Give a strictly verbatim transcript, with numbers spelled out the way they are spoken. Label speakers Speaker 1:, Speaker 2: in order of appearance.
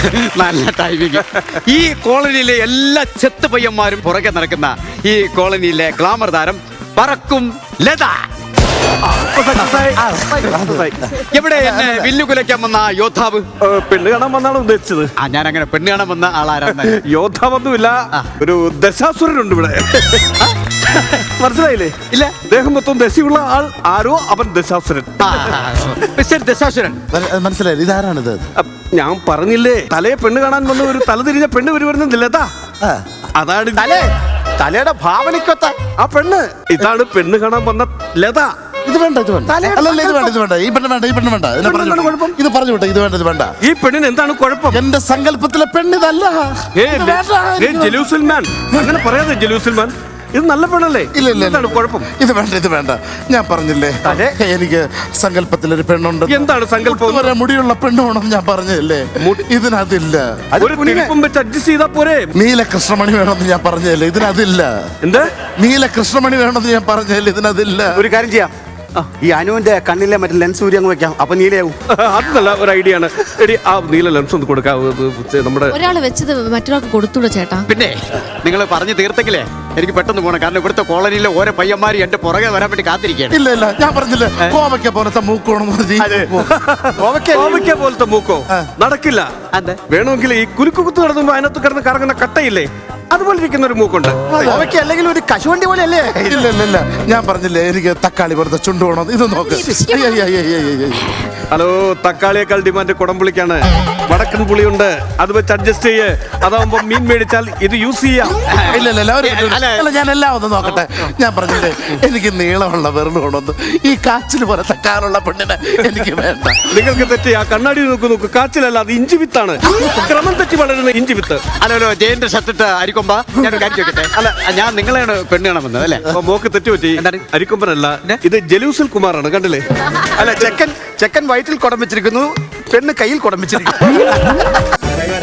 Speaker 1: നല്ല ടൈമിങ്. ഈ കോളനിയിലെ എല്ലാ ചെത്ത് പയ്യന്മാരും പുറകെ നടക്കുന്ന ഈ കോളനിയിലെ ഗ്ലാമർ താരം പറക്കും ലത. എവിടെ എന്നെ വില്ലു കുലയ്ക്കാൻ വന്ന യോദ്ധാവ്?
Speaker 2: പെണ്ണ് കാണാൻ വന്നാണ് ഉദ്ദേശിച്ചത്.
Speaker 1: ആ ഞാൻ അങ്ങനെ പെണ്ണ് കാണാൻ വന്ന ആളാരാണ്?
Speaker 2: യോദ്ധാവൊന്നുമില്ല, ഒരു ദശാസുരനുണ്ട് ഇവിടെ. മനസ്സിലായില്ലേ?
Speaker 1: ഇല്ല.
Speaker 2: ദേഹം മൊത്തം ദശയുള്ള ആൾ ആരോ, അവൻ ദശാസുരൻ.
Speaker 1: മിസ്റ്റർ ദശാസുരൻ
Speaker 3: മനസ്സിലായില്ല, ഇതാരാണിത്?
Speaker 2: ഞാൻ പറഞ്ഞില്ലേ, തലയെ പെണ്ണ് കാണാൻ വന്ന ഒരു തലതിരിഞ്ഞ പെണ്ണ് വരുന്നില്ല. അതാണ്
Speaker 3: തലേ തലയുടെ ഭാവനയ്ക്കൊത്ത
Speaker 2: ആ പെണ്ണ്. ഇതാണ് പെണ്ണ് കാണാൻ വന്ന ലത.
Speaker 3: ഇത് വേണ്ട, ഇത് വേണ്ട, അല്ലല്ല ഇത് വേണ്ട, ഇത് വേണ്ട, ഈ പെണ്ണ് വേണ്ട, ഈ പെണ്ണ് വേണ്ട. ഇതിനെ പറഞ്ഞു വിട്ടോ. ഇത് പറഞ്ഞു വിട്ടോ, ഇത് വേണ്ട, ഇത് വേണ്ട.
Speaker 2: ഈ പെണ്ണിന് എന്താണ് കുഴപ്പം?
Speaker 3: എന്റെ സങ്കല്പത്തിലെ പെണ്ണിതല്ല.
Speaker 2: ജലൂസൽമാൻ, അങ്ങനെ പറയാതെ ജലൂസൽമാൻ. ഇത് നല്ല പെണ്ണല്ലേ?
Speaker 3: ഇല്ല ഇല്ല,
Speaker 2: എന്താണ് കുഴപ്പം?
Speaker 3: ഇത് വേണ്ട, ഇത് വേണ്ട. ഞാൻ പറഞ്ഞില്ലേ എനിക്ക് സങ്കല്പത്തിലൊരു പെണ്ണുണ്ട്.
Speaker 2: എന്താണ് സങ്കല്പം?
Speaker 3: വരെ മുടിയുള്ള പെണ്ണുണ്ടെന്ന് ഞാൻ പറഞ്ഞില്ലേ? ഇതിനതില്ല.
Speaker 2: ഒരു തിരിപ്പും വെച്ച് അഡ്ജസ്റ്റ് ചെയ്താ പോരെ?
Speaker 3: നീല കൃഷ്ണമണി വേണമെന്ന് ഞാൻ പറഞ്ഞല്ലേ? ഇതിനതില്ല.
Speaker 2: എന്ത്?
Speaker 3: നീല കൃഷ്ണമണി വേണമെന്ന് ഞാൻ പറഞ്ഞല്ലേ? ഇതിനതില്ല.
Speaker 1: ഒരു കാര്യം ചെയ്യാം, ഈ അനുവിന്റെ കണ്ണിലെ മറ്റേ ലെൻസ് ഊരി അങ്ങ് വെക്കാം, അപ്പൊ നീലയാവും.
Speaker 2: അത് നല്ല ഒരു ഐഡിയ ആണ്. എടി, ആ നീല ലെൻസ് ഒന്ന് കൊടുക്കാം. നമ്മുടെ
Speaker 4: ഒരാള് വെച്ചത് മറ്റൊരാൾക്ക് കൊടുത്തൂടെ ചേട്ടാ?
Speaker 1: പിന്നെ നിങ്ങൾ പറഞ്ഞു തീർത്തെങ്കിലേ എനിക്ക് പെട്ടെന്ന് പോകണം. കാരണം ഇവിടുത്തെ കോളനിയിലെ ഓരോ പയ്യന്മാര് എന്റെ പുറകെ വരാൻ വേണ്ടി കാത്തിരിക്കുകയാണ്.
Speaker 3: ഇല്ല ഇല്ല, ഞാൻ പറഞ്ഞില്ലേ കോവയ്ക്ക പോലത്തെ മൂക്കോണെന്ന്.
Speaker 2: കോവയ്ക്ക പോലത്തെ മൂക്കോ? നടക്കില്ല. വേണമെങ്കിൽ ഈ കുലുക്കു കുത്ത് നടത്തുമ്പോ അതിനകത്ത് കിടന്ന് കറങ്ങുന്ന കട്ടയില്ലേ, അതുപോലെ ഇരിക്കുന്ന ഒരു മൂക്കുണ്ട്.
Speaker 1: അല്ലെങ്കിൽ ഒരു കശുവണ്ടി പോലെ അല്ലേ?
Speaker 3: ഇല്ല ഇല്ല ഇല്ല, ഞാൻ പറഞ്ഞില്ലേ എനിക്ക് തക്കാളി പോലത്തെ ചുണ്ട് വേണം. ഇത് നോക്ക്.
Speaker 2: ഹലോ, തക്കാളിയേക്കാൾ ഡിമാൻഡ് കുടംപുളിക്കാണ്. വടക്കൻ പുളിയുണ്ട്, അത് വെച്ച് അഡ്ജസ്റ്റ് ചെയ്യേ. അതാവുമ്പോ മീൻ മേടിച്ചാൽ ഇത് യൂസ് ചെയ്യാം.
Speaker 3: ഇല്ല ഇല്ല അല്ല, ഞാൻ എല്ലാം ഒന്ന് നോക്കട്ടെ. ഞാൻ പറഞ്ഞില്ലേ എനിക്ക് നീളമുള്ള വെറുതെ ഈ കാച്ചിൽ പോലത്തെ കാറുള്ള പെണ്ണിനെ എനിക്ക് വേണ്ട.
Speaker 2: നിങ്ങൾക്ക് തെറ്റി. ആ കണ്ണാടി നോക്ക് നോക്ക്, കാച്ചിലല്ല, അത് ഇഞ്ചി വിത്താണ്. ക്രമം തെറ്റി വളരുന്ന ഇഞ്ചി വിത്ത്.
Speaker 1: അല്ലല്ലോ, ജയന്റെ ഷർട്ടിട്ട് അരിക്കൊമ്പ. ഞാൻ കാര്യം ചോദിക്കട്ടെ, അല്ല ഞാൻ നിങ്ങളെയാണ് പെണ്ണ് കാണാൻ വന്നത് അല്ലേ?
Speaker 2: അപ്പൊ മോക്ക് തെറ്റുപറ്റി. അരിക്കൊമ്പനല്ല, ഇത് ജലൂസൽ കുമാറാണ്. കണ്ടില്ലേ?
Speaker 1: അല്ല, ചെക്കൻ ചെക്കൻ വയറ്റിൽ കുടം വെച്ചിരിക്കുന്നു, പെണ്ണ് കയ്യിൽ കുടം വെച്ചിരിക്കുന്നു.